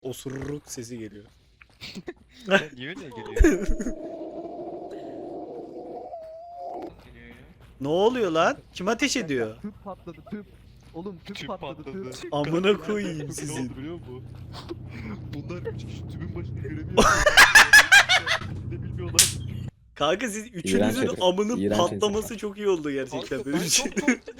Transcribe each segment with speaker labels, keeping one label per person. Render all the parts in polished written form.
Speaker 1: osuruk sesi geliyor.
Speaker 2: Niye öyle geliyor?
Speaker 1: Ne oluyor lan? Kim ateş ediyor?
Speaker 3: Tüp patladı tüp. Oğlum tüp,
Speaker 2: Tüp
Speaker 3: patladı
Speaker 2: patladı.
Speaker 3: tüp.
Speaker 1: Amına koyayım
Speaker 2: Ne oldu
Speaker 1: sizin.
Speaker 2: biliyor musun? Bunlar 3 kişi tübün başında görevi yapıyor. Ne bilmiyorlar.
Speaker 1: Kanka siz üçünüzün
Speaker 4: herif.
Speaker 1: amının
Speaker 4: İğrenç
Speaker 1: patlaması çok iyi oldu gerçekten
Speaker 2: Kanka
Speaker 1: benim
Speaker 2: ben
Speaker 1: için.
Speaker 2: çok korktum.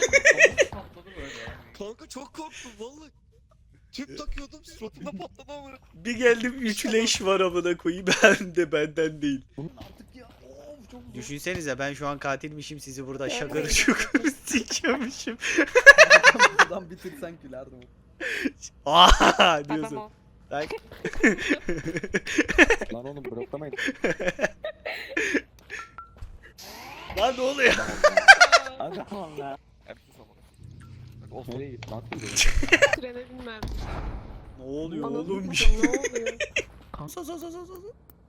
Speaker 2: Kanka çok korktum vallahi. Tüp takıyordum suratımda patladı ama.
Speaker 1: Bir geldim 3 leş var amına koyayım hem de benden değil.
Speaker 3: Artık ya. Of çok zor.
Speaker 1: Düşünsenize ben şu an katilmişim sizi burada şakır şukur sikiyormuşum.
Speaker 3: Buradan bitirsen gülerdim.
Speaker 1: Aaa diyorsun.
Speaker 5: Tamam.
Speaker 1: Bak.
Speaker 4: Lan oğlum bloklamayın.
Speaker 1: Lan ne oluyor?
Speaker 4: Hadi tamam ya.
Speaker 2: Olsun.
Speaker 4: Nereye gitti? Lan
Speaker 5: Trene binmem.
Speaker 1: Ne oluyor
Speaker 5: Anladın
Speaker 1: oğlum
Speaker 5: mı?
Speaker 1: bir şey?
Speaker 5: Ne oluyor?
Speaker 1: Sol.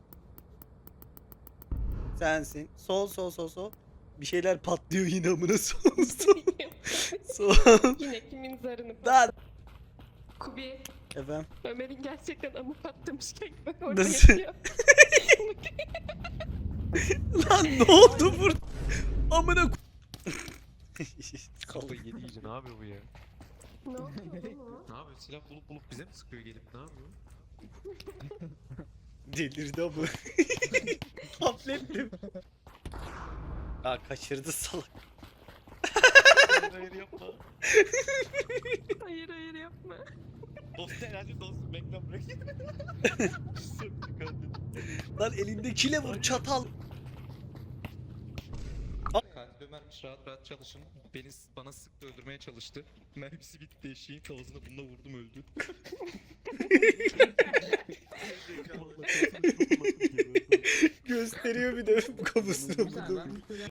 Speaker 1: Sensin. Sol. Bir şeyler patlıyor yine amına sol. Sol.
Speaker 5: Yine kimin zarını
Speaker 1: Lan.
Speaker 5: Kubi,
Speaker 1: Efendim.
Speaker 5: Ömer'in gerçekten amı patlamışken ben orada
Speaker 1: Nasıl?
Speaker 5: yatıyor.
Speaker 1: Lan ne oldu burada? Amına ko-
Speaker 2: Kafayı yedi iyice ne yapıyor bu ya?
Speaker 5: Ne oldu oğlum?
Speaker 2: Ne yapıyor? Silah bulup bize mi sıkıyor gelip ne yapıyor?
Speaker 1: Delirdi ama. Tablettim. Aa kaçırdı salak.
Speaker 2: Hayır yapma.
Speaker 5: Hayır yapma.
Speaker 2: Dost herhalde dostum bekle bırak.
Speaker 1: Lan elindekiyle vur çatal.
Speaker 2: Katil Ömer'miş rahat çalışın. Bana sıktı öldürmeye çalıştı. Mermisi bitti eşeğin kafasına bununla vurdum öldü.
Speaker 1: Gösteriyor bir de kafasına bunu.